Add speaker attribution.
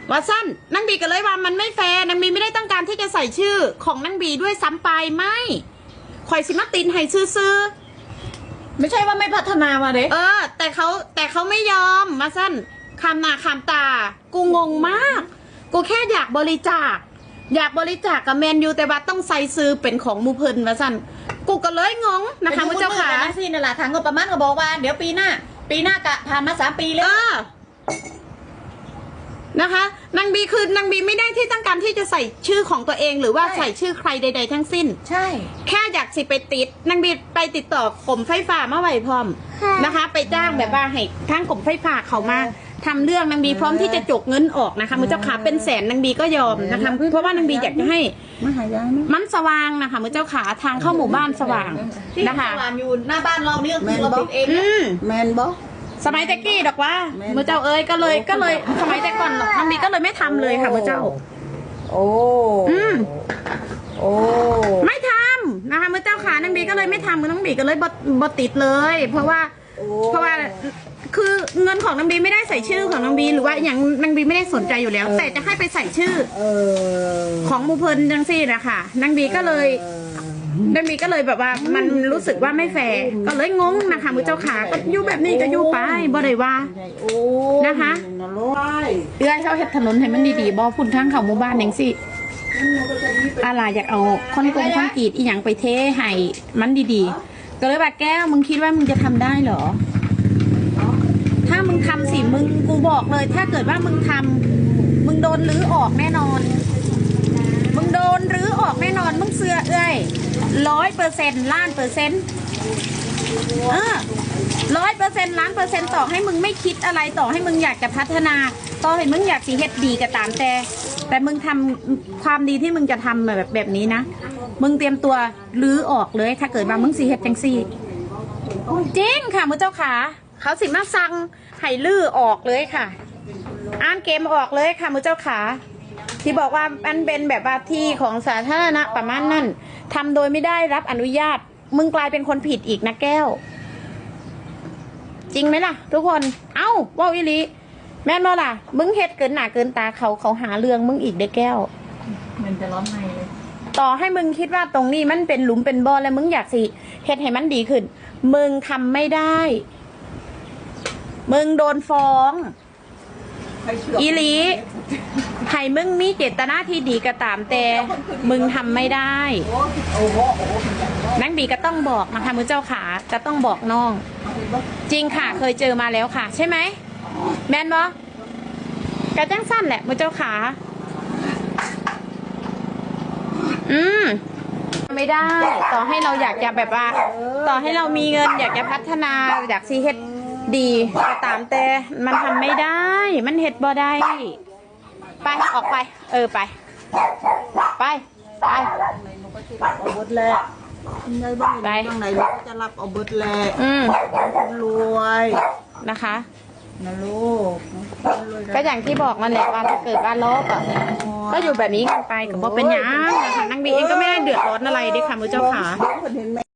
Speaker 1: ว่าสั้นนางบีก็เลยว่ามันไม่แฟร์นางบีไม่ได้ต้องการที่จะใส่ชื่อของนางบีด้วยซ้ำไปไม่ข่อยสิมาตินให้ซื้อ
Speaker 2: ไม่ใช่ว่าไม่พัฒนามาเด้
Speaker 1: แต่เขาไม่ยอมมาสั้นคำหน้าคำตากูงงมากกูแค่อยากบริจาคกับแมนยูแต่ว่าต้องใส่ซื้อเป็นของมูเพินมาสั้นกูก็เลยงงนะคะพระเจ้าค่ะ
Speaker 2: นั่นสินั่นแหละทางงบประมาณก็บอกว่าเดี๋ยวปีหน้ากะผ่านมา3 ปีแล้ว
Speaker 1: นะคะนางบีไม่ได้ที่ต้องการที่จะใส่ชื่อของตัวเองหรือว่าใส่ชื่อใครใดๆทั้งสิ้น
Speaker 2: ใช่
Speaker 1: แค่อยากสิไปติดนางบีไปติดต่อกรมไฟฟ้ามาไว้พร้อมนะคะไปจ้างแบบว่าให้ทางกรมไฟฟ้าเขามาทำเรื่องนางบีพร้อมที่จะจกเงินออกนะคะมือเจ้าขาเป็นแสนนางบีก็ยอมนะคะเพราะว่านางบีอยากจะให้มันสว่างนะคะมือเจ้าขาทางเข้าหมู่บ้านสว่างนะคะ
Speaker 2: สว่างอยู่หน้าบ้านเราเนี่ยคือเราติดเอง
Speaker 3: แมนบอ
Speaker 1: สมัยแต่กี้ดอกว่ามือเจ้าเอ้ยก็เลยสมัยแต่ก่อนนางบีก็เลยไม่ทำเลยค่ะมือเจ้า
Speaker 3: โอ้
Speaker 1: ไม่ทำนะคะมือเจ้าขานางบีก็เลยไม่ทำมือนางบีก็เลยบดติดเลย เพราะว่าคือเงินของนางบีไม่ได้ใส่ชื่อของนางบีหรือว่าอย่างนางบีไม่ได้สนใจอยู่แล้วแต่จะให้ไปใส่ชื่อของมูเพลินจังซี่นะคะนางบีก็เลยแบบว่ามันรู้สึกว่าไม่แฟร์ก็เลยงงนะคะมือเจ้าขาก็อยู่แบบนี้ก็อยู่ไปบ่ได้ว่านะคะเอื้อยเขาเฮ็ดถนนให้มันดีๆบ่พุ่นทางเข้าหมู่บ้านจังซี่อะไรอยากเอาคอนกรีตอีหยังไปเทให้มันดีๆก็เลยว่าแก้วมึงคิดว่ามึงจะทำได้เหรอถ้ามึงทำสิกูบอกเลยถ้าเกิดว่ามึงทำมึงโดนรื้อออกแน่นอนมึงเสือเอ้ย100%ล้านเปอร์เซ็นต์100%ล้านเปอร์เซ็นต์ต่อให้มึงไม่คิดอะไรต่อให้มึงอยากจะพัฒนาต่อให้มึงอยากสิเฮ็ดดีก็ตามแต่มึงทำความดีที่มึงจะทำแบบนี้นะมึงเตรียมตัวรื้อออกเลยถ้าเกิดว่ามึงสิเฮ็ดจังซี่จริงค่ะมือเจ้าขาเขาสิมาสั่งให้ลื้อออกเลยค่ะอ่านเกมออกเลยค่ะมือเจ้าขาที่บอกว่ามันเป็นแบบว่าที่ของสาธารณะประมาณนั้นทำโดยไม่ได้รับอนุญาตมึงกลายเป็นคนผิดอีกนะแก้วจริงไหมล่ะทุกคนเอ้าว่าอีลีแม่นบ่ล่ะมึงเฮ็ดเกินหน้าเกินตาเขาหาเรื่องมึงอีกเด้แก้ว
Speaker 2: มันจะร้อนในเลย
Speaker 1: ต่อให้มึงคิดว่าตรงนี้มันเป็นหลุมเป็นบ่อแล้วมึงอยากสิเฮ็ดให้มันดีขึ้นมึงทำไม่ได้มึงโดนฟ้องอีลีให้มึงมีเจตนาที่ดีก็ตามแต่มึงทำไม่ได้นังบีก็ต้องบอกนะคะมือเจ้าขาจะต้องบอกน้องจริงค่ะเคยเจอมาแล้วค่ะใช่ไหมแมนบอกระจังสั้นแหละมือเจ้าขาไม่ได้ต่อให้เราอยากจะแบบว่าต่อให้เรามีเงินอยากจะพัฒนาอยากซีเฮ็ดดีก็ตามแต่มันทำไม่ได้มันเฮ็ดบ่ได้ไปออกไปไป
Speaker 3: เอาเบิดแหละในบ้านไหนก็จะรับเอาเบิดแหละรวย
Speaker 1: นะคะ
Speaker 3: นะลูก
Speaker 1: ก็อย่างที่บอกนั่นแหละว่าถ้าเกิดว่าลบก็อยู่แบบนี้กันไปกับว่าเป็นยังนะคะนางบีเองก็ไม่ได้เดือดร้อนอะไรเด้ค่ะมือเจ้าขา